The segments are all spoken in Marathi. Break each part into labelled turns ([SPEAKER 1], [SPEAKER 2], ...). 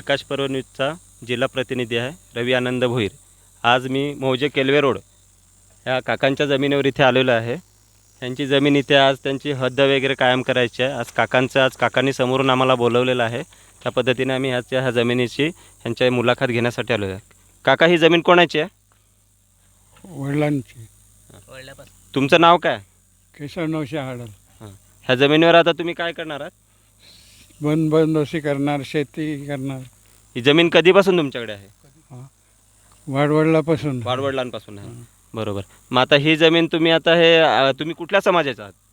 [SPEAKER 1] प्रकाश पर्व न्यूजचा जिल्हा प्रतिनिधी आहे रवी आनंद भोईर। आज मी मौजे केलवे रोड या काकांच्या जमिनीवर इथे आलेलो आहे। त्यांची जमीन इथे आज त्यांची हद्द वगैरे कायम करायची आहे। आज काकांनी समोरून आम्हाला बोलवलेलं आहे। त्या पद्धतीने आम्ही ह्या जमिनीची ह्यांची मुलाखत घेण्यासाठी आलेलो आहे। काका, ही जमीन कोणाची आहे?
[SPEAKER 2] वडिलांची.
[SPEAKER 1] तुमचं नाव काय?
[SPEAKER 2] केशव नवशे हाडल.
[SPEAKER 1] ह्या जमिनीवर आता तुम्ही काय करणार आहात?
[SPEAKER 2] बंदोबस्ती करणार, शेती करणार.
[SPEAKER 1] ही जमीन कधीपासून तुमच्याकडे आहे?
[SPEAKER 2] वाडवडिलापासून.
[SPEAKER 1] वाडवडिलांपासून आहे। बरोबर। मग आता ही जमीन तुम्ही तुम्ही कुठल्या समाजाचा आहात?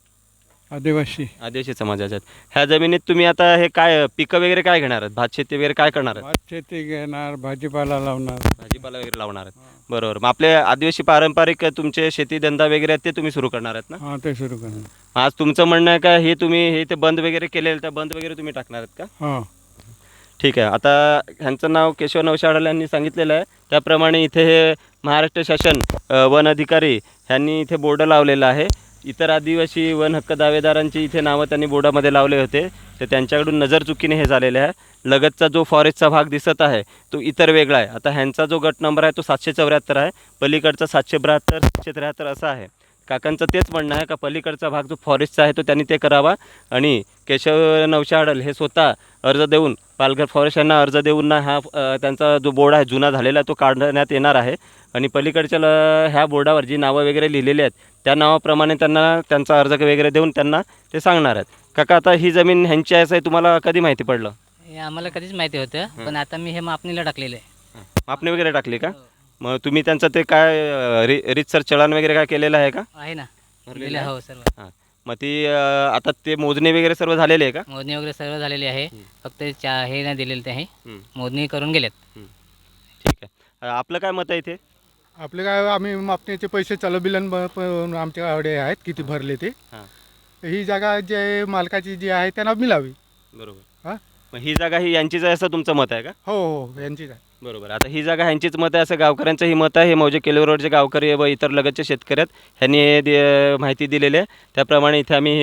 [SPEAKER 2] आदिवासी
[SPEAKER 1] समाजाचे आहेत। ह्या जमिनीत तुम्ही आता हे काय पिकं वगैरे काय घेणार आहात? भात शेती वगैरे काय करणार आहात?
[SPEAKER 2] भात शेती घेणार, भाजीपाला लावणार.
[SPEAKER 1] भाजीपाला वगैरे लावणार आहेत। बरोबर। मग आपले आदिवासी पारंपरिक तुमचे शेती धंदा वगैरे आहेत ते तुम्ही सुरू करणार आहेत ना?
[SPEAKER 2] हां, ते सुरू करणार.
[SPEAKER 1] आज तुमचं म्हणणं आहे का हे तुम्ही हे ते बंद वगैरे केलेलं त्या बंद वगैरे तुम्ही टाकणार आहेत का?
[SPEAKER 2] हां.
[SPEAKER 1] ठीक आहे। आता ह्यांचं नाव केशव नवशे हाडल यांनी सांगितलेलं आहे। त्याप्रमाणे इथे हे महाराष्ट्र शासन वन अधिकारी ह्यांनी इथे बोर्ड लावलेला आहे। इतर आदिवासी वन हक्क दावेदारांची इथे नावं त्यांनी बोर्डामध्ये लावले होते, तर त्यांच्याकडून नजर चुकीने हे झालेले आहे। लगतचा जो फॉरेस्टचा भाग दिसत आहे तो इतर वेगळा आहे। आता ह्यांचा जो गट नंबर आहे तो 774 आहे, पलीकडचा 772 773 असा आहे। काकांचं तेच म्हणणं आहे का पलीकडचा भाग जो फॉरेस्टचा आहे तो त्यांनी ते करावा आणि केशव नवशे हाडल हे स्वतः अर्ज देऊन पालघर फॉरेस्ट यांना अर्ज देऊन ना हा त्यांचा जो बोर्ड आहे जुना झालेला तो काढण्यात येणार आहे आणि पलीकडच्या ह्या बोर्डावर जी नावं वगैरे लिहिलेली आहेत त्या नावाप्रमाणे त्यांना त्यांचा अर्ज वगैरे देऊन त्यांना ते सांगणार आहेत। काका, आता ही जमीन ह्यांची आहे असं तुम्हाला कधी माहिती पडलं?
[SPEAKER 3] हे आम्हाला कधीच माहिती होतं, पण आता मी हे मापणीला टाकलेलं आहे.
[SPEAKER 1] मापणी वगैरे टाकली का? मग तुम्ही त्यांचं ते काय रीतसर चलन वगैरे काय केलेलं आहे का?
[SPEAKER 3] आहे ना,
[SPEAKER 1] भरलेलं आहे?
[SPEAKER 3] हो सर्व.
[SPEAKER 1] हां, मग ती आता ते मोजणी वगैरे सर्व झालेली आहे का?
[SPEAKER 3] मोजणी वगैरे सर्व झालेली आहे, फक्त हे नाही दिलेलं ते आहे, मोजणी करून गेलेत.
[SPEAKER 1] ठीक आहे। आपलं काय मत आहे इथे?
[SPEAKER 4] आपले काय, आम्ही मापणीचे पैसे चलबिलन आमच्याकडे आहेत किती भरले ते.
[SPEAKER 1] हां,
[SPEAKER 4] ही जागा जे मालकाची जी आहे त्यांना मिळावी.
[SPEAKER 1] बरोबर।
[SPEAKER 4] हां.
[SPEAKER 1] मग ही जागा ही यांचीच आहे असं तुमचं मत आहे का?
[SPEAKER 4] हो हो, यांचीच आहे.
[SPEAKER 1] बरोबर। आता ही जागा ह्यांचीच मत आहे असं गावकऱ्यांचंही मत आहे। हे मौजे केलवे रोडचे गावकरी व इतर लगतचे शेतकरी आहेत, ह्यांनी हे माहिती दिलेली आहे। त्याप्रमाणे इथे आम्ही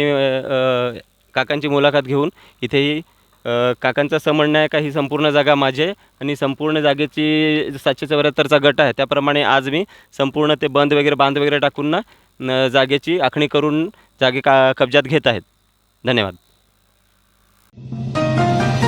[SPEAKER 1] काकांची मुलाखत घेऊन इथेही काकांचं असं म्हणणं आहे का ही संपूर्ण जागा माझी आहे आणि संपूर्ण जागेची 774चा गट आहे त्याप्रमाणे आज मी संपूर्ण ते बांध वगैरे टाकून ना जागेची आखणी करून कब्जात घेत आहेत। धन्यवाद।